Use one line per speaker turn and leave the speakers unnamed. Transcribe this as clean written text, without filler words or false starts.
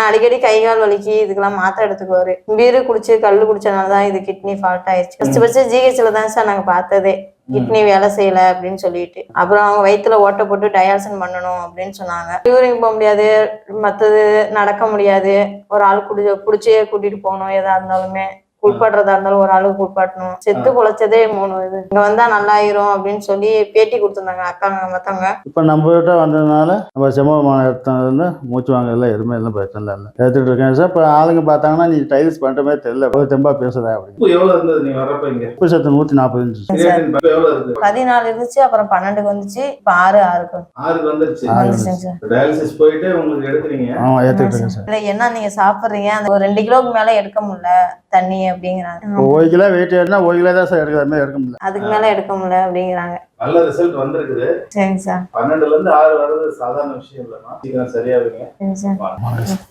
அடிக்கடி கை கால் வலிக்கு இதுக்கெல்லாம் மாத்திரை எடுத்துக்குவாரு. பீரு குடிச்சு கல்லு குடிச்சனாலதான் இது கிட்னி ஃபால்ட் ஆயிடுச்சு. ஃபர்ஸ்ட் ஜிஹெச்ல தான் சார் நாங்க பார்த்ததே கிட்னி வேலை செய்யல அப்படின்னு சொல்லிட்டு. அப்புறம் அவங்க வயிற்றுல ஓட்ட போட்டு டயாலிசிஸ் பண்ணணும் அப்படின்னு சொன்னாங்க. யூரின் போக முடியாது, மற்றது நடக்க முடியாது, ஒரு ஆள் குடிச்சே கூட்டிட்டு போகணும். எதா இருந்தாலுமே குளிப்பாடுறதா இருந்தாலும் ஒரு ஆளுக்கு குளிப்பாட்டணும். செத்து பொழைச்சதே 3 இது. இங்க வந்தா நல்லாயிரும் அப்படின்னு சொல்லி பேட்டி கொடுத்துருந்தாங்க அக்காங்க மத்தவங்க.
இப்ப நம்ம கிட்ட வந்ததுனால நம்ம செம்மமான இடத்துல மூச்சு வாங்கல எதுவுமே எல்லாம் பிரச்சனை இல்லை எடுத்துட்டு இருக்கேன் சார். இப்ப ஆளுங்க பார்த்தாங்கன்னா நீ டைல்ஸ் பண்ற மாதிரி தெரியல, தெம்பா பேசுற அப்படின்னு. உப்பு சத்து 140
14 இருந்துச்சு, அப்புறம் 12க்கு வந்துச்சு, இப்ப 6 வந்துருச்சு.
ஆமா ஏத்துக்கிட்டு சார்.
இல்ல என்ன நீங்க சாப்பிடுறீங்க, அந்த ஒரு 2 கிலோக்கு மேல எடுக்க முடியல தண்ணி அப்படிங்கிறாங்க.
1 கிலோ வெயிட் ஏறினா 1 கிலோ தான் சார் எடுக்கிற மாதிரி எடுக்க முடியல,
அதுக்கு மேல எடுக்க முடியல அப்படிங்கிறாங்க.
நல்ல ரிசல்ட் வந்திருக்குது.
சரிங்க சார்.
12ல இருந்து 6 வர்றது சாதாரண விஷயம் இல்லைன்னா சீக்கிரம் சரியாகுங்க.
சரி சார்.